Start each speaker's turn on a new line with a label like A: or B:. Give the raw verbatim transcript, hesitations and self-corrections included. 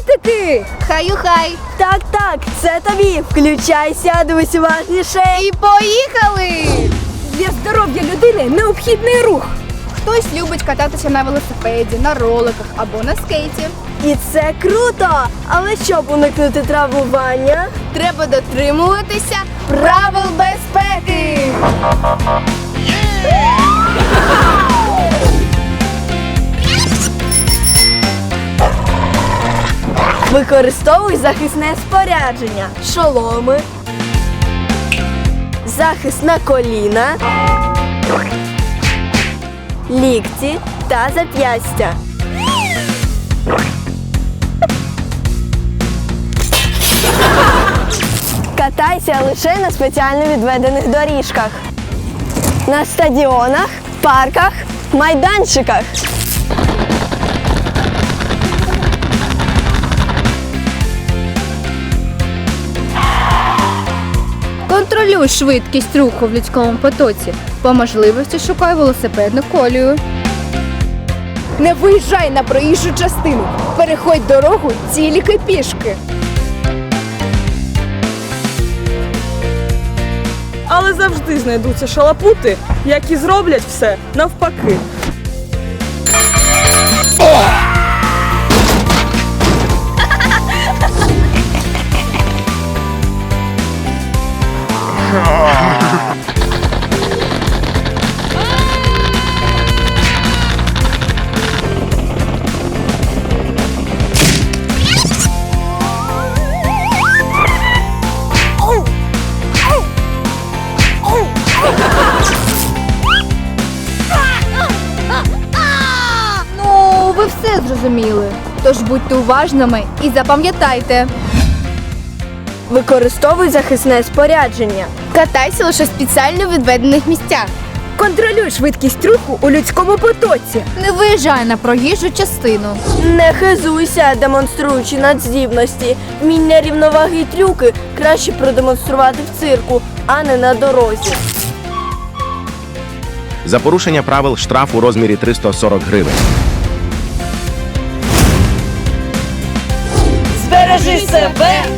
A: хвостики!
B: Хаю-хай!
C: Так, так, це тобі. Включайся, дивись уважніше.
B: І поїхали!
A: Для здоров'я людини необхідний рух.
B: Хтось любить кататися на велосипеді, на роликах або на скейті.
C: І це круто! Але щоб уникнути травмування,
B: Треба дотримуватися правил безпеки.
C: використовуй захисне спорядження. Шоломи, захист на коліна, лікті та зап'ястя. Катайся лише на спеціально відведених доріжках, на стадіонах, парках, майданчиках.
B: Контролюй швидкість руху в людському потоці. По можливості шукай велосипедну колію.
A: Не виїжджай на проїжджу частину. Переходь дорогу тільки пішки.
D: Але завжди знайдуться шалапути, які зроблять все навпаки.
B: Ну, ви все зрозуміли. Тож будьте уважними і запам'ятайте.
C: Використовуй захисне спорядження.
B: Катайся лише в спеціально відведених місцях.
A: Контролюй швидкість руху у людському потоці.
B: Не виїжджай на проїжджу частину.
C: Не хизуйся, демонструючи надздібності. Вміння рівноваги й трюки краще продемонструвати в цирку, а не на дорозі.
E: За порушення правил штраф у розмірі триста сорок гривень.
C: Збережи себе